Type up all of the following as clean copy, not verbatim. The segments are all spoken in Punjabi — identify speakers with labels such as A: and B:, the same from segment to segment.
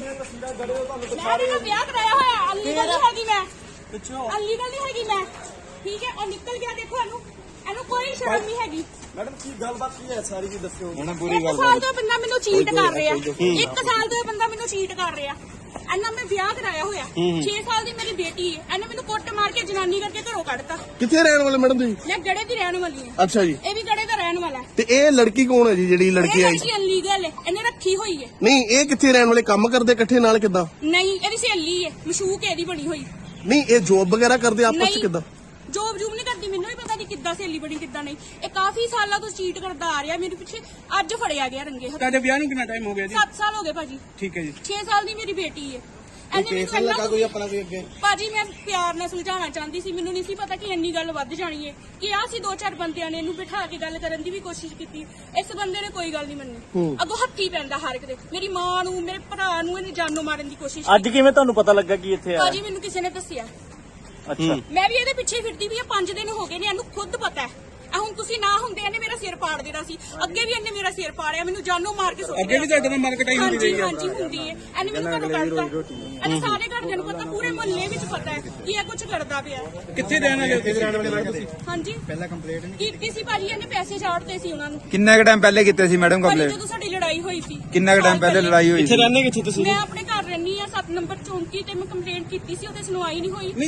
A: ਵਿਆਹ ਕਰਾਇਆ ਹੋਇਆ ਅਨਲੀਗਲ ਨਹੀਂ ਹੈਗੀ ਮੈਂ ਅਨਲੀਗਲ ਨਹੀਂ ਹੈਗੀ ਮੈਂ ਠੀਕ ਹੈ। ਔਰ ਨਿਕਲ ਗਿਆ ਦੇਖੋ ਇਹਨੂੰ ਕੋਈ ਸ਼ਰਮ ਨਹੀਂ ਹੈਗੀ।
B: ਮੈਡਮ ਕੀ ਗੱਲਬਾਤ ਕੀ ਹੈ ਸਾਰੀ ਜੀ ਦੱਸਿਓ।
A: ਮੈਡਮ ਪੂਰੀ ਗੱਲ 1 ਸਾਲ ਤੋਂ ਬੰਦਾ ਮੈਨੂੰ ਚੀਟ ਕਰ ਰਿਹਾ 1 ਸਾਲ ਤੋਂ ਬੰਦਾ ਮੈਨੂੰ ਚੀਟ ਕਰ ਰਿਹਾ। ਇਹਨਾਂ ਮੈਂ ਵਿਆਹ ਕਰਾਇਆ ਹੋਇਆ 6 ਸਾਲ ਦੀ ਮੇਰੀ ਬੇਟੀ ਹੈ। ਇਹਨੇ ਮੈਨੂੰ ਕੁੱਟ ਮਾਰ ਕੇ ਜਨਾਨੀ ਕਰਕੇ ਘਰੋਂ ਕੱਢਤਾ।
C: ਕਿੱਥੇ ਰਹਿਣ ਵਾਲੇ ਮੈਡਮ ਤੁਸੀਂ?
A: ਮੈਂ ਗੜੇ ਦੀ ਰਹਿਣ ਵਾਲੀ ਹਾਂ।
C: ਅੱਛਾ ਜੀ।
A: ਇਹ ਵੀ ਗੜੇ ਦਾ ਰਹਿਣ ਵਾਲਾ ਹੈ।
C: ਤੇ ਇਹ ਲੜਕੀ ਕੌਣ ਹੈ ਜੀ ਜਿਹੜੀ ਲੜਕੀ ਆਈ?
A: ਇਹ ਅਨਲੀਗਲ ਹੈ ਇਹਨੇ ਰੱਖੀ ਹੋਈ ਹੈ।
C: ਨਹੀਂ ਇਹ ਕਿੱਥੇ ਰਹਿਣ ਵਾਲੇ? ਕੰਮ ਕਰਦੇ ਇਕੱਠੇ ਨਾਲ ਕਿੱਦਾਂ?
A: ਨਹੀਂ ਇਹਦੀ ਸਹੇਲੀ ਹੈ ਮਸ਼ੂਕ ਇਹਦੀ ਬਣੀ ਹੋਈ।
C: ਨਹੀਂ ਇਹ ਜੋਬ ਵਗੈਰਾ ਕਰਦੇ ਆਪਸ ਚ ਕਿੱਦਾਂ?
A: ਜੋਬ ਨਹੀਂ ਕਰਦੀ ਮੈਨੂੰ ਵੀ ਪਤਾ ਨਹੀਂ ਕਿੱਦਾਂ ਸਹੇਲੀ ਬਣੀ ਕਿੱਦਾਂ ਨਹੀਂ। ਇਹ ਕਾਫੀ ਸਾਲਾਂ ਤੋਂ ਚੀਟ ਕਰਦਾ ਆ ਰਿਹਾ ਮੇਰੇ ਪਿੱਛੇ। ਅੱਜ ਫੜਿਆ ਗਿਆ ਰੰਗੇ ਹੱਥ।
B: ਤੁਹਾਡੇ ਵਿਆਹ ਨੂੰ ਕਿੰਨਾ ਟਾਈਮ ਹੋ ਗਿਆ ਜੀ?
A: 7 ਸਾਲ ਹੋ ਗਏ ਭਾਜੀ।
B: ਠੀਕ ਹੈ ਜੀ।
A: 6 ਸਾਲ ਦੀ ਮੇਰੀ ਬੇਟੀ ਹੈ।
C: ਕੇਸ ਲੱਗਾ ਕੋਈ ਆਪਣਾ ਕੋਈ ਅੱਗੇ?
A: ਭਾਜੀ ਮੈਂ ਪਿਆਰ ਨਾਲ ਸੁਲਝਾਉਣਾ ਚਾਹੁੰਦੀ ਸੀ। ਮੈਨੂੰ ਨਹੀਂ ਸੀ ਪਤਾ ਕਿ ਇੰਨੀ ਗੱਲ ਵੱਧ ਜਾਣੀ ਹੈ। ਕਿ ਆ ਸੀ 2-4 ਬੰਦਿਆਂ ਨੇ ਇਹਨੂੰ ਬਿਠਾ ਕੇ ਗੱਲ ਕਰਨ ਦੀ ਵੀ ਕੋਸ਼ਿਸ਼ ਕੀਤੀ। ਇਸ ਬੰਦੇ ਨੇ ਕੋਈ ਗੱਲ ਨਹੀਂ ਮੰਨੀ। ਅੱਗੋਂ ਹੱਥੀ ਪੈਂਦਾ ਹਰ ਇੱਕ ਦੇ। ਮੇਰੀ ਮਾਂ ਨੂੰ ਮੇਰੇ ਭਰਾ ਨੂੰ ਇਹਨੇ ਜਾਨੋਂ ਮਾਰਨ ਦੀ ਕੋਸ਼ਿਸ਼।
B: ਅੱਜ ਕਿਵੇਂ ਤੁਹਾਨੂੰ ਪਤਾ ਲੱਗਾ ਕਿ ਇੱਥੇ ਆਇਆ?
A: ਭਾਜੀ ਮੈਨੂੰ ਕਿਸੇ ਨੇ ਦੱਸਿਆ।
B: ਅੱਛਾ।
A: ਮੈਂ ਵੀ ਇਹਦੇ ਪਿੱਛੇ ਫਿਰਦੀ ਵੀ ਆ 5 ਦਿਨ ਹੋ ਗਏ ਨੇ। ਇਹਨੂੰ ਖੁਦ ਪਤਾ ਹੈ। ਹੁਣ ਤੁਸੀਂ ਨਾ ਹੁੰਦੇ ਇਹਨੇ ਮੇਰਾ ਸਿਰ ਪਾੜ ਦੇਣਾ ਸੀ। ਅੱਗੇ ਵੀ ਇਹਨੇ ਮੇਰਾ ਸਿਰ ਪਾੜਿਆ ਮੈਨੂੰ ਜਾਨੋਂ ਮਾਰ ਕੇ ਸੁੱਟ
B: ਅੱਗੇ ਵੀ ਤੁਹਾਡੇ ਨਾਲ ਮਾਰਕਟਾਈ ਹੁੰਦੀ ਰਹੀ ਹੈ?
A: ਹਾਂਜੀ ਹੁੰਦੀ ਹੈ। ਇਹਨੇ ਮੈਨੂੰ ਘਰੋਂ ਕੱਢਤਾ। ਇਹਨੇ ਸਾਰੇ ਘਰਦਿਆਂ ਨੂੰ ਪਤਾ ਪੂਰੇ ਮੁਹੱਲੇ ਵਿੱਚ ਪਤਾ ਹੈ ਕਿ ਇਹ ਕੁਝ ਕਰਦਾ ਪਿਆ।
B: ਕਿੱਥੇ ਰਹਿਣ ਵਾਲੇ?
A: ਹਾਂਜੀ ਪਹਿਲਾਂ ਕੰਪਲੇਂਟ ਨਹੀਂ ਕੀਤੀ ਸੀ ਭਾਜੀ। ਇਹਨੇ ਪੈਸੇ ਛਾੜਤੇ ਸੀ ਉਹਨਾਂ ਨੂੰ।
D: ਕਿੰਨਾ ਕੁ ਟਾਈਮ ਪਹਿਲੇ ਕੀਤੇ ਸੀ ਮੈਡਮ ਕੰਪਲੇਂਟ?
A: ਜਦੋਂ ਸਾਡੀ ਲੜਾਈ ਹੋਈ ਸੀ।
D: ਕਿੰਨਾ ਕੁ ਟਾਈਮ ਪਹਿਲੇ ਲੜਾਈ ਹੋਈ ਸੀ?
B: ਕਿੱਥੇ ਰਹਿੰਦੇ ਕਿੱਥੇ ਤੁਸੀਂ?
A: ਮੈਂ ਆਪਣੇ ਘਰ ਰਹਿੰਦੀ ਆ 7 ਨੰਬਰ ਚੌਂਕੀ ਤੇ। ਮੈਂ ਕੰਪਲੇਂਟ ਕੀਤੀ ਸੀ ਉਹਦੇ ਸੁਣਵਾਈ ਨਹੀਂ ਹੋਈ।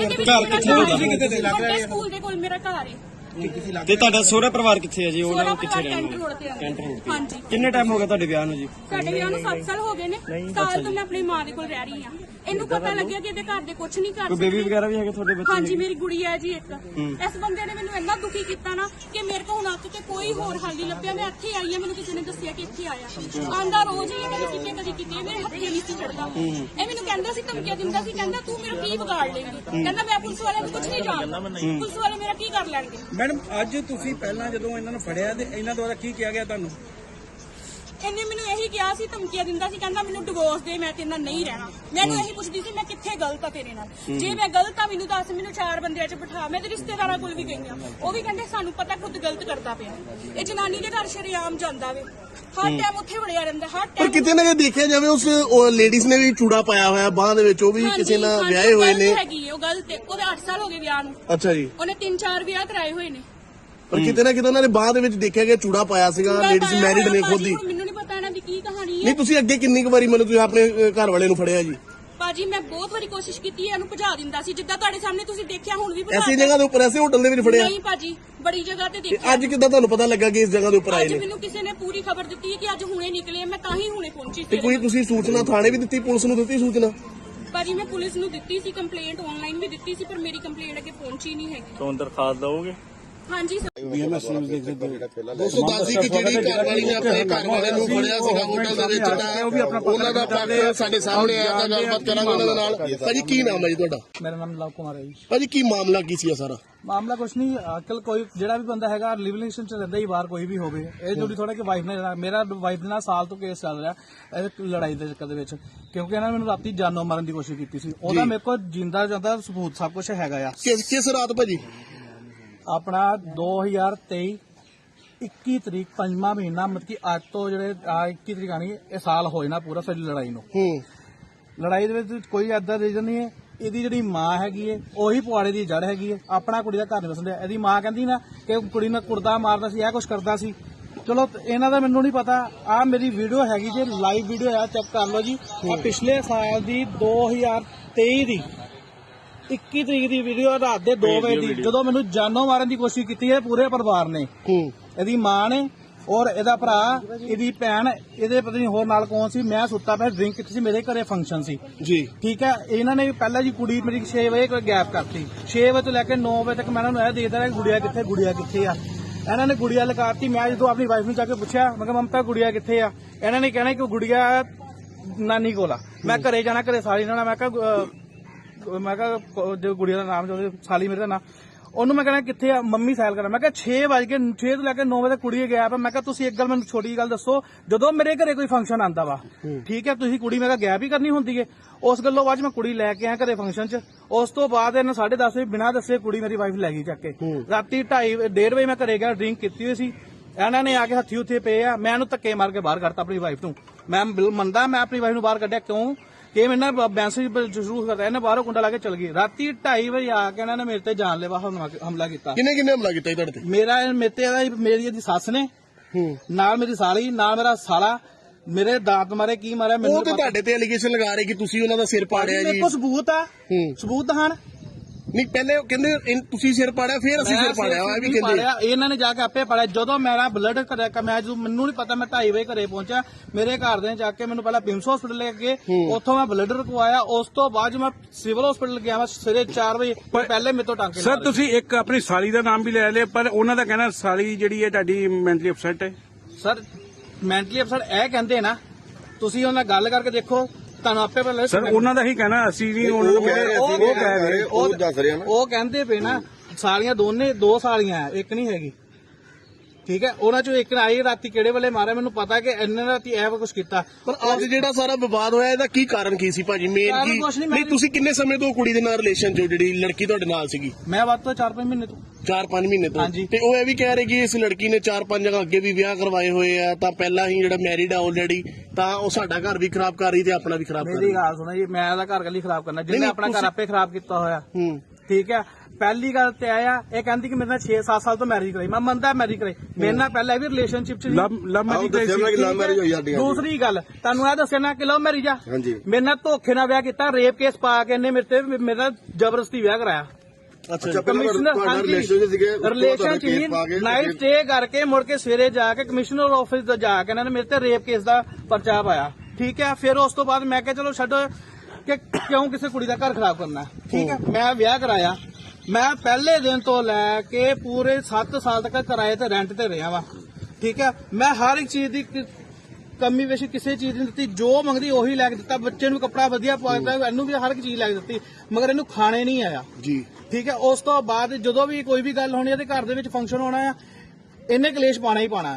A: ਸਕੂਲ ਦੇ ਕੋਲ ਮੇਰਾ ਘਰ ਹੈ।
B: ਤੇ ਤੁਹਾਡਾ ਸਹੁਰਾ ਪਰਿਵਾਰ ਕਿੱਥੇ ਹੈ ਜੀ? ਉਹਨਾਂ
A: ਕਿੱਥੇ ਰਹਿੰਦੇ? ਹਾਂਜੀ।
B: ਕਿੰਨੇ ਟਾਈਮ ਹੋ ਗਿਆ ਤੁਹਾਡੇ ਵਿਆਹ ਨੂੰ ਜੀ?
A: ਸਾਡੇ ਵਿਆਹ ਨੂੰ 7 ਸਾਲ ਹੋ ਗਏ ਨੇ। ਸਾਲ ਤੋਂ ਮੈਂ ਆਪਣੀ ਮਾਂ ਦੇ ਕੋਲ ਰਹਿ ਰਹੀ ਹਾਂ। ਇਹਨੂੰ ਪਤਾ ਲੱਗਿਆ ਕਿ ਇਹਦੇ ਘਰ ਦੇ ਕੁਝ ਨਹੀਂ ਕਰ
B: ਕੋਈ ਬੇਬੀ ਵਗੈਰਾ ਵੀ ਹੈਗੇ ਤੁਹਾਡੇ ਬੱਚੇ?
A: ਹਾਂਜੀ ਮੇਰੀ ਗੁੜੀਆ ਹੈ ਜੀ ਇੱਕ। ਇਸ ਬੰਦੇ ਨੇ ਮੈਨੂੰ ਇੰਨਾ ਦੁਖੀ ਕੀਤਾ ਨਾ ਕਿ ਮੇਰੇ ਕੋਲ ਹੁਣ ਅੱਕ ਕੇ ਕੋਈ ਹੋਰ ਹੱਲ ਨਹੀਂ ਲੱਭਿਆ। ਮੈਂ ਇੱਥੇ ਆਈ ਹਾਂ। ਮੈਨੂੰ ਕਿਸੇ ਨੇ ਦੱਸਿਆ ਕਿ ਇੱਥੇ ਆਇਆ। ਆਂਦਾ ਰੋਜ਼ ਹੀ ਕਦੀ ਕਿਤੇ ਮੇਰੇ ਹੱਥੇ ਨਹੀਂ ਸੀ ਚੜਦਾ। ਇਹ ਮੈਨੂੰ ਕਹਿੰਦਾ ਸੀ ਧਮਕੀਆਂ ਦਿੰਦਾ ਸੀ। ਕਹਿੰਦਾ ਤੂੰ ਮੇਰਾ ਕੀ ਵਿਗਾੜ ਲੇਂਗੀ। ਕਹਿੰਦਾ ਮੈਂ ਪੁਲਿਸ ਵਾਲਿਆਂ ਨੂੰ ਕੁਝ ਨਹੀਂ ਜਾਣਦਾ। ਪੁਲਿਸ ਵਾਲੇ ਮੇਰਾ ਕੀ ਕਰ ਲੈਣਗੇ?
B: ਮੈਡਮ ਅੱਜ ਤੁਸੀਂ ਪਹਿਲਾਂ ਜਦੋਂ ਇਹਨਾਂ ਨੂੰ ਫੜਿਆ ਤੇ ਇਹਨਾਂ ਦੁਆਰਾ ਕੀ ਕਿਹਾ ਗਿਆ ਤੁਹਾਨੂੰ?
A: ਇਹਨੇ ਮੈਨੂੰ ਇਹੀ ਕਿਹਾ ਸੀ ਧਮਕੀਆਂ ਦਿੰਦਾ ਸੀ। ਕਹਿੰਦਾ ਮੈਨੂੰ ਡਿਵੋਰਸ ਦੇ ਮੈਂ ਤੇਰੇ ਨਾਲ ਨਹੀਂ ਰਹਿਣਾ। ਮੈਨੂੰ ਇਹੀ ਪੁੱਛਦੀ ਸੀ ਮੈਂ ਕਿੱਥੇ ਗਲਤ ਆ ਤੇਰੇ ਨਾਲ। ਜੇ ਮੈਂ ਗਲਤ ਆ ਮੈਨੂੰ ਦੱਸ। ਮੈਨੂੰ 4 ਬੰਦਿਆਂ 'ਚ ਬਿਠਾ। ਮੈਂ ਤੇ ਰਿਸ਼ਤੇਦਾਰਾਂ ਕੋਲ ਵੀ ਗਈ ਆ। ਉਹ ਵੀ ਕਹਿੰਦੇ ਸਾਨੂੰ ਪਤਾ ਖੁਦ ਗਲਤ ਕਰਦਾ ਪਿਆ। ਇਹ ਜਨਾਨੀ ਦੇ ਘਰ ਸ਼ਰੇਆਮ ਜਾਂਦਾ ਵੇ। ਹਰ ਟਾਈਮ ਉੱਥੇ ਵੜਿਆ ਰਹਿੰਦਾ। ਹਰ
C: ਪਰ
A: ਟਾਈਮ
C: ਕਿਤੇ ਨਾ ਕਿਤੇ ਦੇਖਿਆ ਜਾਵੇ ਉਸ ਲੇਡੀਜ਼ ਨੇ ਵੀ ਚੂੜਾ ਪਾਇਆ ਹੋਇਆ ਬਾਹ ਦੇ ਵਿੱਚ। ਉਹ ਵੀ ਕਿਸੇ ਨਾਲ ਵਿਆਹੇ ਹੋਏ ਨੇ।
A: ਹੈਗੀ ਉਹ ਗਲਤ ਹੈ। ਉਹਦੇ 8 ਸਾਲ ਹੋ ਗਏ ਵਿਆਹ ਨੂੰ।
C: ਅੱਛਾ ਜੀ।
A: ਉਹਨੇ 3-4 ਵਿਆਹ ਕਰਾਏ ਹੋਏ ਨੇ।
C: ਪਰ ਕਿਤੇ ਨਾ ਕਿਤੇ ਉਹਨਾਂ ਨੇ ਬਾਹ ਦੇ ਵਿੱਚ ਦੇਖਿਆ ਗਿਆ ਚੂੜਾ ਪਾਇਆ ਸੀਗਾ। ਲੇਡੀਜ਼ ਮੈਰਿਡ ਨੇ ਖੁਦ ਹੀ।
A: ਮੈਨੂੰ ਨਹੀਂ ਪਤਾ ਇਹਨਾਂ ਦੀ ਕੀ ਕਹਾਣੀ ਹੈ।
C: ਨਹੀਂ ਤੁਸੀਂ ਅੱਗੇ ਕਿੰਨੀ ਕੁ ਵਾਰੀ ਮੈਨੂੰ ਤੁਸੀਂ ਆਪਣੇ ਘਰ ਵਾਲੇ ਨੂੰ ਫੜਿਆ ਜੀ?
A: ਭਾਜੀ ਮੈਂ ਬਹੁਤ ਵਾਰੀ ਕੋਸ਼ਿਸ਼ ਕੀਤੀ ਹੈ। ਇਹਨੂੰ ਭਜਾ ਦਿੰਦਾ ਸੀ ਜਿੱਦਾਂ ਤੁਹਾਡੇ ਸਾਹਮਣੇ ਤੁਸੀਂ ਦੇਖਿਆ। ਹੁਣ ਵੀ
C: ਐਸੀ ਜਗ੍ਹਾ ਦੇ ਉੱਪਰ ਐਸੇ ਹੋਟਲ ਦੇ ਵਿੱਚ ਫੜਿਆ?
A: ਨਹੀਂ ਭਾਜੀ ਬੜੀ ਜਗ੍ਹਾ ਤੇ ਦੇਖਿਆ।
C: ਅੱਜ ਕਿੱਦਾਂ ਤੁਹਾਨੂੰ ਪਤਾ ਲੱਗਾ ਕਿ ਇਸ ਜਗ੍ਹਾ ਦੇ ਉੱਪਰ ਆਏ
A: ਅੱਜ
C: ਨੇ?
A: ਮੈਨੂੰ ਕਿਸੇ ਨੇ ਪੂਰੀ ਖਬਰ ਦਿੱਤੀ ਹੈ ਕਿ ਅੱਜ ਹੁਣੇ ਨਿਕਲੇ। ਮੈਂ ਤਾਂ ਹੀ ਹੁਣੇ ਪਹੁੰਚੀ
C: ਤੇ
A: ਸੀ।
C: ਕੋਈ ਤੁਸੀਂ ਸੂਚਨਾ ਥਾਣੇ ਵੀ ਦਿੱਤੀ? ਪੁਲਿਸ ਨੂੰ ਦਿੱਤੀ ਸੂਚਨਾ?
A: ਭਾਜੀ ਮੈਂ ਪੁਲਿਸ ਨੂੰ ਦਿੱਤੀ ਸੀ ਕੰਪਲੇਂਟ। ਆਨਲਾਈਨ ਵੀ ਦਿੱਤੀ ਸੀ ਪਰ ਮੇਰੀ ਕੰਪਲੇਂਟ ਅੱਗੇ ਪਹੁੰਚੀ ਨਹੀਂ ਹੈਗੀ।
B: ਤੋਂ ਦਰਖਾਸਤ ਦਓਗੇ?
A: ਹਾਂਜੀ
C: ਦੋਸਤੋ ਦੱਸੀ ਕਿ ਜਿਹੜੀ ਘਰ ਵਾਲੀ ਨੇ ਆਪਣੇ ਘਰ ਵਾਲੇ ਨੂੰ ਫੜਿਆ ਸੀਗਾ ਹੋਟਲ ਦੇ ਵਿੱਚ ਤਾਂ ਉਹਨਾਂ ਦਾ ਪੱਖ ਸਾਡੇ ਸਾਹਮਣੇ ਆਇਆ ਤਾਂ ਗੱਲਬਾਤ ਕਰਾਂਗੇ ਉਹਨਾਂ ਦੇ ਨਾਲ। ਭਾਜੀ ਕੀ ਨਾਮ ਹੈ ਜੀ ਤੁਹਾਡਾ?
E: ਮੇਰਾ ਨਾਮ ਲਵ ਕੁਮਾਰ ਹੈ ਜੀ।
C: ਭਾਜੀ ਕੀ ਮਾਮਲਾ ਕੀ ਸੀ ਸਾਰਾ?
E: ਮਾਮਲਾ ਕੁਛ ਨਹੀਂ। ਅੱਜਕੱਲ ਕੋਈ ਜਿਹੜਾ ਵੀ ਬੰਦਾ ਹੈਗਾ ਲਿਵ ਰਿਲੇਸ਼ਨ ਚ ਰਹਿੰਦਾ ਹੀ ਬਾਹਰ ਕੋਈ ਵੀ ਹੋਵੇ। ਇਹ ਜੁੜੀ ਥੋੜਾ ਕਿ ਵਾਈਫ ਨੇ ਮੇਰਾ ਵਾਈਫ ਦੇ ਨਾਲ ਸਾਲ ਤੋਂ ਕੇਸ ਚੱਲ ਰਿਹਾ ਇਹ ਲੜਾਈ ਦੇ ਚੱਕਰ ਦੇ ਵਿੱਚ। ਕਿਉਂਕਿ ਇਹਨਾਂ ਨੇ ਮੈਨੂੰ ਰਾਤੀ ਜਾਨੋਂ ਮਾਰਨ ਦੀ ਕੋਸ਼ਿਸ਼ ਕੀਤੀ ਸੀ। ਉਹਦਾ ਮੇਰੇ ਕੋਲ ਜਿੰਦਾ ਜਾਂਦਾ ਸਬੂਤ ਸਭ ਕੁਝ ਹੈਗਾ ਆ।
C: ਕਿਸ ਰਾਤ ਭਾਜੀ?
E: ਆਪਣਾ 2023 21 ਤਰੀਕ 5ਵਾਂ ਮਹੀਨਾ ਮਤਲਬ ਕਿ ਅੱਜ ਤੋਂ ਜਿਹੜੇ 21 ਤਰੀਕ ਆਣੀ ਇਹ ਸਾਲ ਹੋਏ ਨਾ ਪੂਰਾ ਸਾਡੀ ਲੜਾਈ ਨੂੰ। ਲੜਾਈ ਦੇ ਵਿੱਚ ਕੋਈ ਏਦਾਂ ਰੀਜ਼ਨ ਨਹੀਂ ਹੈ। ਇਹਦੀ ਜਿਹੜੀ ਮਾਂ ਹੈਗੀ ਏ ਉਹੀ ਪੁਆੜੇ ਦੀ ਜੜ ਹੈਗੀ ਏ। ਆਪਣਾ ਕੁੜੀ ਦਾ ਘਰ ਨਹੀਂ ਵਸਣ ਦਿਆ। ਇਹਦੀ ਮਾਂ ਕਹਿੰਦੀ ਨਾ ਕਿ ਕੁੜੀ ਨੂੰ ਕੁੜਦਾ ਮਾਰਦਾ ਸੀ ਇਹ ਕੁਛ ਕਰਦਾ ਸੀ। ਚਲੋ ਇਹਨਾਂ ਦਾ ਮੈਨੂੰ ਨਹੀਂ ਪਤਾ। ਆਹ ਮੇਰੀ ਵੀਡੀਓ ਹੈਗੀ ਜੇ ਲਾਈਵ ਵੀਡੀਓ ਆ ਚੈੱਕ ਕਰ ਲਓ ਜੀ। ਆ ਪਿਛਲੇ ਸਾਲ ਦੀ 2023 ਦੀ 21 ਤਰੀਕ ਦੀ ਵੀਡੀਓ ਰਾਤ ਦੇ 2 ਵਜੇ ਦੀ ਜਦੋਂ ਮੈਨੂੰ ਜਾਨੋਂ ਮਾਰਨ ਦੀ ਕੋਸ਼ਿਸ਼ ਕੀਤੀ ਹੈ ਪੂਰੇ ਪਰਿਵਾਰ ਨੇ। ਇਹਦੀ ਮਾਂ ਨੇ ਔਰ ਇਹਦਾ ਭਰਾ ਇਹਦੀ ਭੈਣ ਇਹਦੇ ਪਤਾ ਨਹੀਂ ਹੋਰ ਨਾਲ ਕੌਣ ਸੀ। ਮੈਂ ਸੁੱਤਾ ਪਿਆ ਡਰਿੰਕ ਕੀਤੀ ਸੀ। ਮੇਰੇ ਘਰੇ ਫੰਕਸ਼ਨ ਸੀ ਜੀ ਠੀਕ ਹੈ। ਇਹਨਾਂ ਨੇ ਪਹਿਲਾਂ ਜੀ ਕੁੜੀ ਮੇਰੀ 6 ਵਜੇ ਕੋਈ ਗੈਪ ਕਰਤੀ। 6 ਵਜੇ ਤੋਂ ਲੈ ਕੇ 9 ਵਜੇ ਤੱਕ ਮੈਂ ਇਹਨਾਂ ਨੂੰ ਇਹ ਦੇਖਦਾ ਰਿਹਾ ਗੁੜੀਆ ਕਿੱਥੇ ਆ। ਇਹਨਾਂ ਨੇ ਗੁੜੀਆ ਲਗਾਤੀ। ਮੈਂ ਜਦੋਂ ਆਪਣੀ ਵਾਈਫ ਨੂੰ ਜਾ ਕੇ ਪੁੱਛਿਆ ਮੈਂ ਕਿਹਾ ਮਮਤਾ ਗੁੜੀਆ ਕਿੱਥੇ ਆ? ਇਹਨਾਂ ਨੇ ਕਹਿਣਾ ਕਿ ਗੁੜੀਆ ਨਾਨੀ ਕੋਲ ਆ। ਮੈਂ ਘਰੇ ਜਾਣਾ ਘਰੇ ਸਾਲੀ ਨਾਲ ਮੈਂ ਕਿਹਾ ਜੋ ਗੁੜੀਆ ਦਾ ਨਾਮ ਜੋ ਸਾਲੀ ਮੇਰੇ ਦਾ ਨਾਮ ਉਹਨੂੰ ਮੈਂ ਕਹਿਣਾ ਕਿੱਥੇ ਆ? ਮੰਮੀ ਸਾਇਲ ਕਰਾਂ। ਮੈਂ ਕਿਹਾ 6 ਤੋਂ ਲੈ ਕੇ 9 ਵਜੇ ਕੁੜੀ ਗਿਆ ਮੈਂ ਕਿਹਾ ਤੁਸੀਂ ਇੱਕ ਗੱਲ ਮੈਨੂੰ ਛੋਟੀ ਗੱਲ ਦੱਸੋ ਜਦੋਂ ਮੇਰੇ ਘਰੇ ਕੋਈ ਫੰਕਸ਼ਨ ਆਂਦਾ ਵਾ ਠੀਕ ਹੈ ਤੁਸੀਂ ਕੁੜੀ ਮੈਂ ਕਿਹਾ ਗੈਪ ਹੀ ਕਰਨੀ ਹੁੰਦੀ ਹੈ। ਉਸ ਗੱਲੋਂ ਬਾਅਦ ਮੈਂ ਕੁੜੀ ਲੈ ਕੇ ਆਇਆ ਘਰੇ ਫੰਕਸ਼ਨ 'ਚ। ਉਸ ਤੋਂ ਬਾਅਦ ਇਹਨਾਂ 10:30 ਵਜੇ ਬਿਨਾਂ ਦੱਸੇ ਕੁੜੀ ਮੇਰੀ ਵਾਈਫ ਲੈ ਗਈ ਚੱਕ ਕੇ। ਰਾਤੀ 2:30 1:30 ਵਜੇ ਮੈਂ ਘਰੇ ਗਿਆ ਡਰਿੰਕ ਕੀਤੀ ਹੋਈ ਸੀ। ਇਹਨਾਂ ਨੇ ਆ ਕੇ ਹੱਥੀ ਉੱਥੇ ਪਏ ਆ, ਮੈਂ ਇਹਨੂੰ ਧੱਕੇ ਮਾਰ ਕੇ ਬਾਹਰ ਕੱਢਤਾ ਆਪਣੀ ਵਾਈਫ ਨੂੰ। ਮੈਂ ਮੰਨਦਾ ਮੈਂ ਆਪਣੀ ਵਾਈਫ ਨੂੰ ਬਾਹਰ ਕੱਢਿਆ ਕਿਉਂ ਕਿ ਮੈਨਾਂ ਮੈਸੇਜ ਸ਼ੁਰੂ ਕਰਤਾ, ਇਹਨੇ ਬਾਹਰੋਂ ਕੁੰਡਾ ਲਾ ਕੇ ਚਲ ਗਈ। ਰਾਤੀ 2:30 ਵਜੇ ਆ ਕੇ ਇਹਨਾਂ ਨੇ ਮੇਰੇ ਤੇ ਜਾਨਲੇਵਾ ਹਮਲਾ ਕੀਤਾ।
C: ਕਿੰਨੇ ਹਮਲਾ ਕੀਤਾ ਜੀ ਤੁਹਾਡੇ ਤੇ?
E: ਮੇਰੇ ਤੇ ਮੇਰੀ ਇਹਦੀ ਸੱਸ ਨੇ, ਨਾਲ ਮੇਰੀ ਸਾਲੀ, ਨਾਲ ਮੇਰਾ ਸਾਲਾ, ਮੇਰੇ ਦਾਂਤ ਮਾਰੇ, ਕੀ ਮਾਰਿਆ ਮੈਨੂੰ
C: ਉਹ ਤੇ ਤੁਹਾਡੇ ਤੇ ਐਲੀਗੇਸ਼ਨ ਲਗਾ ਰਹੇ ਕਿ ਤੁਸੀਂ ਉਹਨਾਂ ਦਾ ਸਿਰ ਪਾੜਿਆ ਜੀ।
E: ਮੇਰੇ ਕੋਲ ਸਬੂਤ ਆ, ਸਬੂਤ ਦਿਖਾਣ।
C: ਨਹੀਂ ਪਹਿਲੇ ਉਹ ਕਹਿੰਦੇ ਤੁਸੀਂ ਸਿਰ ਪਾੜਿਆ, ਫਿਰ ਅਸੀਂ ਸਿਰ ਪਾੜਿਆ, ਇਹ ਵੀ ਕਹਿੰਦੇ
E: ਇਹਨਾਂ ਨੇ ਜਾ ਕੇ ਆਪੇ ਪਾੜਿਆ। ਜਦੋਂ ਮੇਰਾ ਬਲੱਡ ਕਰਿਆ, ਮੈਂ ਜਦੋਂ ਮੈਨੂੰ ਨਹੀਂ ਪਤਾ, ਮੈਂ 2:30 ਵਜੇ ਘਰੇ ਪਹੁੰਚਿਆ, ਮੇਰੇ ਘਰ ਦੇ ਜਾ ਕੇ ਮੈਨੂੰ ਪਹਿਲਾਂ ਪਿੰਸ ਹਸਪੀਟਲ ਲੈ ਕੇ, ਉੱਥੋਂ ਮੈਂ ਬਲੱਡ ਰਕਵਾਇਆ। ਉਸ ਤੋਂ ਬਾਅਦ ਮੈਂ ਸਿਵਲ ਹਸਪੀਟਲ ਗਿਆ, ਮੈਂ ਸਵੇਰੇ 4 ਵਜੇ ਪਹਿਲੇ ਮੇਰੇ ਤੋਂ ਟਾਂਕੇ।
F: ਸਰ ਤੁਸੀਂ ਇੱਕ ਆਪਣੀ ਸਾਲੀ ਦਾ ਨਾਮ ਵੀ ਲੈ ਲਿਆ, ਪਰ ਉਹਨਾਂ ਦਾ ਕਹਿਣਾ ਸਾਲੀ ਜਿਹੜੀ ਹੈ ਤੁਹਾਡੀ ਮੈਂਟਲੀ ਅਪਸੈਟ ਹੈ।
E: ਸਰ ਮੈਂਟਲੀ ਅਪਸੈਟ ਇਹ ਕਹਿੰਦੇ ਨਾ, ਤੁਸੀਂ ਉਹਨਾਂ ਨਾਲ ਗੱਲ ਕਰਕੇ ਦੇਖੋ, ਤੁਹਾਨੂੰ ਆਪੇ ਪਤਾ ਲੱਗੇ।
F: ਸਰ ਉਹਨਾਂ ਦਾ ਹੀ ਕਹਿਣਾ, ਅਸੀਂ ਨਹੀਂ ਉਹਨਾਂ ਨੂੰ ਕਹਿ ਰਹੇ, ਉਹ ਕਹਿ ਰਹੇ।
C: ਉਹ ਦੱਸ ਰਿਹਾ ਨਾ,
E: ਉਹ ਕਹਿੰਦੇ ਪਏ ਨਾ ਸਾਲੀਆਂ ਦੋ ਸਾਲੀਆਂ ਆ, ਇੱਕ ਨਹੀਂ ਹੈਗੀ, ਠੀਕ ਹੈ। ਉਹਨਾਂ ਚੋਂ ਇੱਕ ਆਈ ਰਾਤੀ ਕਿਹੜੇ ਵੇਲੇ ਮਾਰਿਆ ਮੈਨੂੰ ਪਤਾ ਕਿ ਇੰਨੇ ਰਾਤੀ ਇਹ ਕੁਝ ਕੀਤਾ।
C: ਪਰ ਅੱਜ ਜਿਹੜਾ ਸਾਰਾ ਵਿਵਾਦ ਹੋਇਆ ਇਹਦਾ ਕੀ ਕਾਰਨ ਕੀ ਸੀ ਭਾਜੀ? ਮੇਨ
E: ਕਾਰਨ
C: ਕੀ
E: ਕੁਛ ਨਹੀਂ,
C: ਨਹੀਂ, ਤੁਸੀਂ ਕਿੰਨੇ ਸਮੇਂ ਤੋਂ ਕੁੜੀ ਦੇ ਨਾਲ ਰਿਲੇਸ਼ਨ ਚੋਂ, ਜਿਹੜੀ ਲੜਕੀ ਤੁਹਾਡੇ ਨਾਲ ਸੀਗੀ?
E: ਮੈਂ ਵੱਧ ਤੋਂ 4-5 ਮਹੀਨੇ ਤੋਂ।
C: 4-5 ਮਹੀਨੇ ਤੋਂ।
E: ਹਾਂਜੀ।
C: ਤੇ ਉਹ ਇਹ ਵੀ ਕਹਿ ਰਹੇ ਕਿ ਇਸ ਲੜਕੀ ਨੇ 4-5 ਜਗ੍ਹਾ ਅੱਗੇ ਵੀ ਵਿਆਹ ਕਰਵਾਏ ਹੋਏ ਆ, ਤਾਂ ਪਹਿਲਾਂ ਹੀ ਜਿਹੜਾ ਮੈਰਿਡ ਆ ਆਲਰੇਡੀ, ਤਾਂ ਉਹ ਸਾਡਾ ਘਰ ਵੀ ਖਰਾਬ ਕਰ ਰਹੀ ਤੇ ਆਪਣਾ ਵੀ ਖਰਾਬ ਕਰ ਰਹੀ।
E: ਮੇਰੀ ਗੱਲ ਸੁਣੋ ਜੀ, ਮੈਂ ਇਹਦਾ ਘਰ ਕੱਲੀ ਖਰਾਬ ਕਰਨਾ, ਜਿਹਨੇ ਆਪਣਾ ਘਰ ਆਪੇ ਖਰਾਬ ਕੀਤਾ ਹੋਇਆ। ਠੀਕ ਹੈ। ਪਹਿਲੀ ਗੱਲ ਤੇ ਆਇਆ, ਇਹ ਕਹਿੰਦੀ ਕਿ ਮੇਰੇ ਨਾਲ 6-7 ਸਾਲ ਤੋਂ ਮੈਰਿਜ ਕਰਾਈ। ਮੈਂ ਮੰਨਦਾ ਮੈਰਿਜ ਕਰਾਈ, ਮੇਰੇ ਨਾਲ ਪਹਿਲਾਂ ਵੀ ਰਿਲੇਸ਼ਨਸ਼ਿਪ ਚ
F: ਲਵ ਮੈਰਿਜ ਹੋਈ ਸੀ।
E: ਦੂਸਰੀ ਗੱਲ ਤੁਹਾਨੂੰ ਇਹ ਦੱਸਿਆ ਨਾ ਕਿ ਲਵ ਮੈਰਿਜ ਆ, ਮੇਰੇ ਨਾਲ ਧੋਖੇ ਨਾਲ ਵਿਆਹ ਕੀਤਾ, ਰੇਪ ਕੇਸ ਪਾ ਕੇ ਇਹਨੇ ਮੇਰੇ ਨਾਲ ਜ਼ਬਰਦਸਤੀ ਵਿਆਹ ਕਰਾਇਆ। ਕਮਿਸ਼ਨਰ ਰਿਲੇਸ਼ਨ ਚ ਨਾਈਟ ਸਟੇ ਕਰਕੇ ਮੁੜ ਕੇ ਸਵੇਰੇ ਜਾ ਕੇ ਕਮਿਸ਼ਨਰ ਆਫਿਸ ਤੋਂ ਜਾ ਕੇ ਇਹਨਾਂ ਨੇ ਮੇਰੇ ਤੇ ਰੇਪ ਕੇਸ ਦਾ ਪਰਚਾ ਪਾਇਆ। ਠੀਕ ਹੈ। ਫਿਰ ਉਸ ਤੋਂ ਬਾਅਦ ਮੈਂ ਕਿਹਾ ਚਲੋ ਛੱਡੋ ਕਿ ਕਿਉਂ ਕਿਸੇ ਕੁੜੀ ਦਾ ਘਰ ਖਰਾਬ ਕਰਨਾ। ਠੀਕ ਹੈ। ਮੈਂ ਵਿਆਹ ਕਰਾਇਆ, ਮੈਂ ਪਹਿਲੇ ਦਿਨ ਤੋਂ ਲੈ ਕੇ ਪੂਰੇ 7 ਸਾਲ ਤੱਕ ਕਿਰਾਏ ਤੇ ਰੈਂਟ ਤੇ ਰਿਹਾ ਵਾ। ਠੀਕ ਹੈ। ਮੈਂ ਹਰ ਇੱਕ ਚੀਜ਼ ਦੀ ਕਮੀ ਵੇਸ਼ੀ ਕਿਸੇ ਚੀਜ਼ ਨਹੀਂ ਦਿੱਤੀ, ਜੋ ਮੰਗਦੀ ਉਹੀ ਲੈ ਕੇ ਦਿੱਤਾ। ਬੱਚੇ ਨੂੰ ਕੱਪੜਾ ਵਧੀਆ ਪਵਾਇਆ, ਇਹਨੂੰ ਵੀ ਹਰ ਇੱਕ ਚੀਜ਼ ਲੈ ਕੇ ਦਿੱਤੀ, ਮਗਰ ਇਹਨੂੰ ਖਾਣੇ ਨਹੀਂ ਆਇਆ ਜੀ। ਠੀਕ ਹੈ। ਉਸ ਤੋਂ ਬਾਅਦ ਜਦੋਂ ਵੀ ਕੋਈ ਵੀ ਗੱਲ ਹੋਣੀ ਹੈ ਤੇ ਘਰ ਦੇ ਵਿੱਚ ਫੰਕਸ਼ਨ ਹੋਣਾ ਆ, ਇਹਨੇ ਕਲੇਸ਼ ਪਾਣਾ ਹੀ ਪਾਣਾ।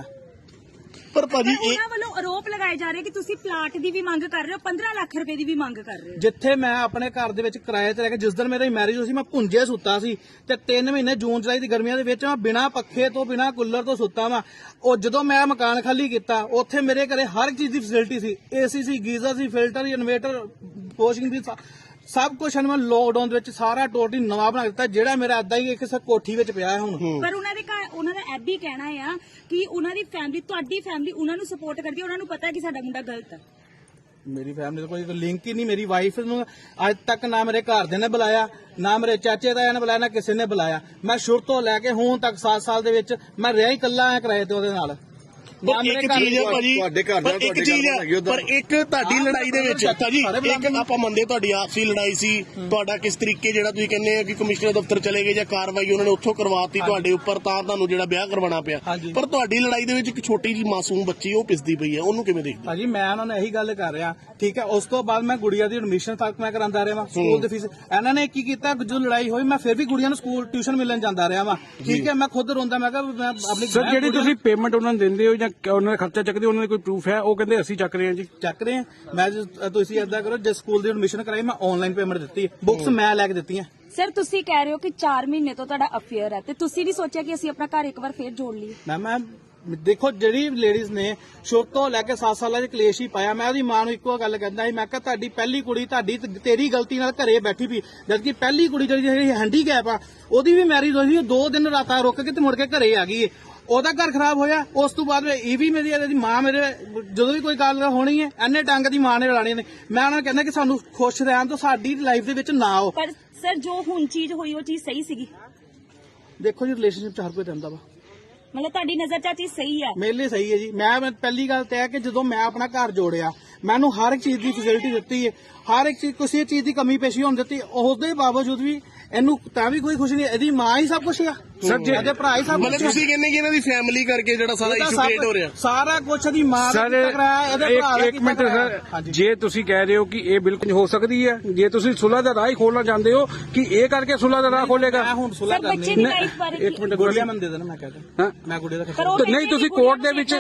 C: ਪਰ ਭਾਜੀ
A: ਉਹਨਾਂ ਵੱਲੋਂ ਆਰੋਪ ਲਗਾਏ ਜਾ ਰਹੇ ਕਿ ਤੁਸੀਂ ਪਲਾਟ ਦੀ ਵੀ ਮੰਗ ਕਰ ਰਹੇ ਹੋ, 15 ਲੱਖ ਰੁਪਏ ਦੀ ਵੀ ਮੰਗ ਕਰ ਰਹੇ ਹੋ।
E: ਜਿੱਥੇ ਮੈਂ ਆਪਣੇ ਘਰ ਦੇ ਵਿੱਚ ਕਿਰਾਏ ਤੇ ਰਹਿ ਕੇ, ਜਿਸ ਦਿਨ ਮੇਰੀ ਮੈਰਿਜ ਹੋਈ ਸੀ, ਮੈਂ ਭੁੰਜੇ ਸੁੱਤਾ ਸੀ ਤੇ 3 ਮਹੀਨੇ ਜੂਨ ਜੁਲਾਈ ਦੀ ਗਰਮੀਆਂ ਦੇ ਵਿੱਚ ਮੈਂ ਬਿਨਾਂ ਪੱਖੇ ਤੋਂ ਬਿਨਾਂ ਕੂਲਰ ਤੋਂ ਸੁੱਤਾ ਵਾਂ। ਉਹ ਜਦੋਂ ਮੈਂ ਮਕਾਨ ਖਾਲੀ ਕੀਤਾ, ਉੱਥੇ ਮੇਰੇ ਘਰੇ ਹਰ ਇੱਕ ਚੀਜ਼ ਦੀ ਫੈਸਿਲਿਟੀ ਸੀ, ਏਸੀ ਸੀ, ਗੀਜ਼ਰ ਸੀ, ਫਿਲਟਰ, ਇਨਵੇਟਰ, ਵਾਸ਼ਿੰਗ ਦੀ ਸਭ ਕੁਝ ਮੈਂ ਲੋਕਡਾਊਨ ਦੇ ਵਿੱਚ ਸਾਰਾ ਟੋਟਲੀ ਨਵਾਂ ਬਣਾ ਦਿੱਤਾ, ਜਿਹੜਾ ਮੇਰਾ ਅੱਧਾ ਹੀ ਇੱਕ ਕੋਠੀ ਵਿੱਚ ਪਿਆ ਹੈ ਹੁਣ।
A: ਪਰ ਉਹਨਾਂ ਦੇ ਘਰ, ਉਹਨਾਂ ਦਾ ਇਹ ਵੀ ਕਹਿਣਾ ਆ ਕਿ ਉਹਨਾਂ ਦੀ ਫੈਮਿਲੀ, ਤੁਹਾਡੀ ਫੈਮਿਲੀ ਉਹਨਾਂ ਨੂੰ ਸਪੋਰਟ ਕਰਦੀ ਹੈ, ਉਹਨਾਂ ਨੂੰ ਪਤਾ ਹੈ ਕਿ ਸਾਡਾ ਮੁੰਡਾ ਗਲਤ ਹੈ।
E: ਮੇਰੀ ਫੈਮਿਲੀ ਦਾ ਕੋਈ ਲਿੰਕ ਹੀ ਨਹੀਂ। ਮੇਰੀ ਵਾਈਫ ਨੂੰ ਅੱਜ ਤੱਕ ਨਾ ਮੇਰੇ ਘਰਦਿਆਂ ਨੇ ਬੁਲਾਇਆ, ਨਾ ਮੇਰੇ ਚਾਚੇ ਤਾਇਆ ਨੇ ਬੁਲਾਇਆ, ਨਾ ਕਿਸੇ ਨੇ ਬੁਲਾਇਆ। ਮੈਂ ਸ਼ੁਰੂ ਤੋਂ ਲੈ ਕੇ ਹੁਣ ਤੱਕ 7 ਸਾਲ ਦੇ ਵਿੱਚ ਮੈਂ ਰਿਹਾ ਹੀ ਇਕੱਲਾ ਆ ਕਿਰਾਏ ਤੇ ਉਹਦੇ ਨਾਲ।
C: ਇੱਕ ਚੀਜ਼ ਹੈ ਭਾਜੀ, ਇੱਕ ਚੀਜ਼ ਹੈ, ਪਰ ਇੱਕ ਤੁਹਾਡੀ ਲੜਾਈ ਦੇ ਵਿੱਚ ਅੱਛਾ ਜੀ, ਇੱਕ ਆਪਾਂ ਮੰਨਦੇ ਤੁਹਾਡੀ ਆਪਸੀ ਲੜਾਈ ਸੀ, ਤੁਹਾਡਾ ਕਿਸ ਤਰੀਕੇ ਜਿਹੜਾ ਤੁਸੀਂ ਕਹਿੰਦੇ ਆ ਕਿ ਕਮਿਸ਼ਨਰ ਦਫ਼ਤਰ ਚਲੇ ਗਏ ਜਾਂ ਕਾਰਵਾਈ ਉਹਨਾਂ ਨੇ ਉੱਥੋਂ ਕਰਵਾਤੀ ਤੁਹਾਡੇ ਉੱਪਰ, ਤਾਂ ਤੁਹਾਨੂੰ ਜਿਹੜਾ ਵਿਆਹ ਕਰਵਾਉਣਾ ਪਿਆ। ਪਰ ਤੁਹਾਡੀ ਲੜਾਈ ਦੇ ਵਿੱਚ ਇੱਕ ਛੋਟੀ ਜੀ ਮਾਸੂਮ ਬੱਚੀ ਉਹ ਪਿਸਦੀ ਪਈ ਹੈ, ਉਹਨੂੰ ਕਿਵੇਂ ਦੇਖਦੇ?
E: ਭਾਜੀ ਮੈਂ ਉਹਨਾਂ ਨੂੰ ਇਹੀ ਗੱਲ ਕਰ ਰਿਹਾ। ਠੀਕ ਹੈ। ਉਸ ਤੋਂ ਬਾਅਦ ਮੈਂ ਗੁੜੀਆ ਦੀ ਐਡਮਿਸ਼ਨ ਤੱਕ ਮੈਂ ਕਰਾਂਦਾ ਰਿਹਾ ਵਾਂ, ਸਕੂਲ ਦੀ ਫੀਸ ਇਹਨਾਂ ਨੇ ਕੀ ਕੀਤਾ, ਜੋ ਲੜਾਈ ਹੋਈ ਮੈਂ ਫਿਰ ਵੀ ਗੁੜੀਆਂ ਨੂੰ ਸਕੂਲ ਟਿਊਸ਼ਨ ਮਿਲਣ ਜਾਂਦਾ ਰਿਹਾ ਵਾਂ। ਠੀਕ ਹੈ। ਮੈਂ ਖੁਦ ਰੋਂਦਾ, ਮੈਂ ਕਿਹਾ ਮੈਂ ਆਪਣੀ
F: ਸਰ ਜਿਹੜੀ ਤੁਸੀਂ ਪੇਮੈਂਟ ਉਹਨਾਂ ਨੂੰ ਦਿੰਦੇ ਹੋ ਜਾਂ ਉਹਨਾਂ ਦਾ ਖਰਚਾ ਚੱਕਦੇ, ਉਹਨਾਂ ਦੇ ਕੋਈ ਪ੍ਰੂਫ ਹੈ? ਉਹ ਕਹਿੰਦੇ ਅਸੀਂ ਚੱਕ ਰਹੇ ਹਾਂ ਜੀ। ਚੱਕ ਰਹੇ
E: ਹਾਂ। ਮੈਂ ਤੁਸੀਂ ਏਦਾਂ ਕਰੋ, ਜੇ ਸਕੂਲ ਦੀ ਐਡਮਿਸ਼ਨ ਕਰਾਈ ਮੈਂ ਆਨਲਾਈਨ ਪੇਮੈਂਟ ਦਿੱਤੀ, ਬੁੱਕਸ ਮੈਂ ਲੈ ਕੇ ਦਿੱਤੀਆਂ।
A: ਸਰ ਤੁਸੀਂ ਕਹਿ ਰਹੇ ਹੋ ਕਿ 4 ਮਹੀਨੇ ਤੋਂ ਤੁਹਾਡਾ ਅਫੇਅਰ ਹੈ, ਤੇ ਤੁਸੀਂ ਨਹੀਂ ਸੋਚਿਆ ਕਿ ਅਸੀਂ ਆਪਣਾ ਘਰ ਇੱਕ ਵਾਰ ਫੇਰ ਜੋੜ ਲਈਏ?
E: ਮੈਂ ਦੇਖੋ ਜਿਹੜੀ ਲੇਡੀਜ਼ ਨੇ ਸ਼ੁਰੂ ਤੋਂ ਲੈ ਕੇ 7 ਸਾਲਾਂ ਦੇ ਕਲੇਸ਼ ਹੀ ਪਾਇਆ। ਮੈਂ ਉਹਦੀ ਮਾਂ ਨੂੰ ਇੱਕੋ ਗੱਲ ਕਹਿੰਦਾ ਸੀ, ਮੈਂ ਕਿਹਾ ਤੁਹਾਡੀ ਪਹਿਲੀ ਕੁੜੀ ਤੇਰੀ ਗਲਤੀ ਨਾਲ ਘਰੇ ਬੈਠੀ ਪਈ, ਜਦਕਿ ਪਹਿਲੀ ਕੁੜੀ ਜਿਹੜੀ ਹੈਂਡੀਕੈਪ ਆ ਉਹਦੀ ਵੀ ਮੈਰਿਜ ਹੋਈ ਸੀ, 2 ਦਿਨ ਰਾਤਾਂ ਰੁਕ ਕੇ ਤੇ ਮੁੜ ਕੇ ਘਰੇ ਆ ਗਈ। ਉਹਦਾ ਘਰ ਖਰਾਬ ਹੋਇਆ। ਉਸ ਤੋਂ ਬਾਅਦ ਇਹ ਵੀ ਮੇਰੀ ਮਾਂ, ਮੇਰੇ ਜਦੋਂ ਵੀ ਕੋਈ ਗੱਲ ਹੋਣੀ ਹੈ ਐਨੇ ਟੰਗ ਦੀ ਮਾਂ ਨੇ ਲੜਾਣੀ ਨੇ। ਮੈਂ ਉਹਨਾਂ ਨੂੰ ਕਹਿੰਦਾ ਕਿ ਸਾਨੂੰ ਖੁਸ਼ ਰਹਿਣ ਤੋਂ ਸਾਡੀ ਲਾਈਫ ਦੇ ਵਿੱਚ ਨਾ ਆਓ।
A: ਪਰ ਸਰ ਜੋ ਹੁਣ ਚੀਜ਼ ਹੋਈ ਉਹ ਚੀਜ਼ ਸਹੀ ਸੀਗੀ?
E: ਦੇਖੋ ਜੀ ਰਿਲੇਸ਼ਨਸ਼ਿਪ 'ਚ ਹਰ ਕੋਈ ਰਹਿੰਦਾ ਵਾ,
A: ਮਤਲਬ ਤੁਹਾਡੀ ਨਜ਼ਰ 'ਚ ਚੀਜ਼ ਸਹੀ ਹੈ? ਮੇਰੇ
E: ਲਈ ਸਹੀ ਹੈ ਜੀ। ਮੈਂ ਪਹਿਲੀ ਗੱਲ ਤੇ ਹੈ ਕਿ ਜਦੋਂ ਮੈਂ ਆਪਣਾ ਘਰ ਜੋੜਿਆ, ਮੈਨੂੰ ਹਰ ਇੱਕ ਚੀਜ਼ ਦੀ ਫੈਸਿਲਿਟੀ ਦਿੱਤੀ ਹੈ, ਹਰ ਇੱਕ ਚੀਜ਼, ਕਿਸੇ ਚੀਜ਼ ਦੀ ਕਮੀ ਪੇਸ਼ੀ ਹੋਣ ਦਿੱਤੀ, ਉਸਦੇ ਬਾਵਜੂਦ ਵੀ ਇਹਨੂੰ ਤਾਂ ਵੀ ਕੋਈ ਖੁਸ਼ ਨਹੀਂ। ਇਹਦੀ ਮਾਂ ਹੀ ਸਭ ਕੁਝ ਆ, ਇਹਦੇ ਭਰਾ ਹੀ ਸਭ ਕੁਝ।
C: ਮਤਲਬ ਤੁਸੀਂ ਕਹਿੰਦੇ ਕਿ ਇਹਨਾਂ ਦੀ ਫੈਮਿਲੀ ਕਰਕੇ ਜਿਹੜਾ ਸਾਰਾ ਇਸ਼ੂ ਕ੍ਰੀਏਟ ਹੋ ਰਿਹਾ,
E: ਸਾਰਾ ਕੁਝ ਇਹਦੀ ਮਾਂ ਦਾ ਕਰਾਇਆ, ਇਹਦੇ ਭਰਾ ਦਾ।
F: ਇੱਕ ਮਿੰਟ ਸਰ, ਜੇ ਤੁਸੀਂ ਕਹਿ ਰਹੇ ਹੋ ਕਿ ਇਹ ਬਿਲਕੁਲ ਹੋ ਸਕਦੀ ਹੈ, ਜੇ ਤੁਸੀਂ ਸੁਲ੍ਹਾ ਦਾ ਰਾਹ ਹੀ ਖੋਲਣਾ ਚਾਹੁੰਦੇ ਹੋ ਕਿ ਇਹ ਕਰਕੇ ਸੁਲ੍ਹਾ ਦਾ ਰਾਹ ਖੋਲੇਗਾ?
E: ਮੈਂ ਹੁਣ ਸੁਲ੍ਹਾ ਕਰਨੀ ਇੱਕ ਮਿੰਟ ਗੁੜੀਆ ਮੈਨੂੰ ਦੇ ਦੇਣਾ, ਮੈਂ ਕਹਿੰਦਾ ਮੈਂ ਗੁੜੀਆ ਦਾ
F: ਨਹੀਂ, ਤੁਸੀਂ ਕੋਰਟ ਦੇ ਵਿੱਚ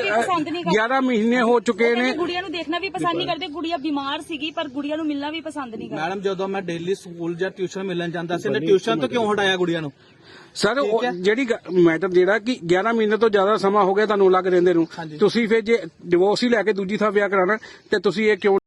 F: 11 ਮਹੀਨੇ ਹੋ ਚੁੱਕੇ ਨੇ।
A: ਗੁੜੀਆ ਨੂੰ ਦੇਖਣਾ ਵੀ ਪਸੰਦ ਨਹੀਂ ਕਰਦੇ, ਗੁੜੀਆ ਬਿਮਾਰ ਸੀਗੀ ਪਰ ਗੁੜੀਆ ਨੂੰ ਮਿਲਣਾ ਵੀ ਪਸੰਦ ਨਹੀਂ ਕਰਦੇ।
E: ਮੈਡਮ ਜਦੋਂ ਮੈਂ ਡੇਲੀ ਸਕੂਲ ਜਾਂ ਟਿਊਸ਼ਨ ਮਿਲਣ ਜਾਂਦਾ ਸੀ, ਉਹਨੇ ਟਿਊਸ਼ਨ ਤੋਂ ਕਿਉਂ ਹਟਾਇਆ ਗੁੜੀਆ ਨੂੰ?
F: ਸਰ ਜਿਹੜੀ ਮੈਟਰ ਜਿਹੜਾ ਕਿ 11 ਮਹੀਨੇ ਤੋਂ ਜ਼ਿਆਦਾ ਸਮਾਂ ਹੋ ਗਿਆ ਤੁਹਾਨੂੰ ਲੱਗ ਰਹਿੰਦੇ ਨੂੰ, ਤੁਸੀਂ ਫਿਰ ਜੇ ਡਿਵੋਰਸ ਹੀ ਲੈ ਕੇ ਦੂਜੀ ਥਾਂ ਵਿਆਹ ਕਰਾਣਾ ਤੇ ਤੁਸੀਂ ਇਹ ਕਿਉਂ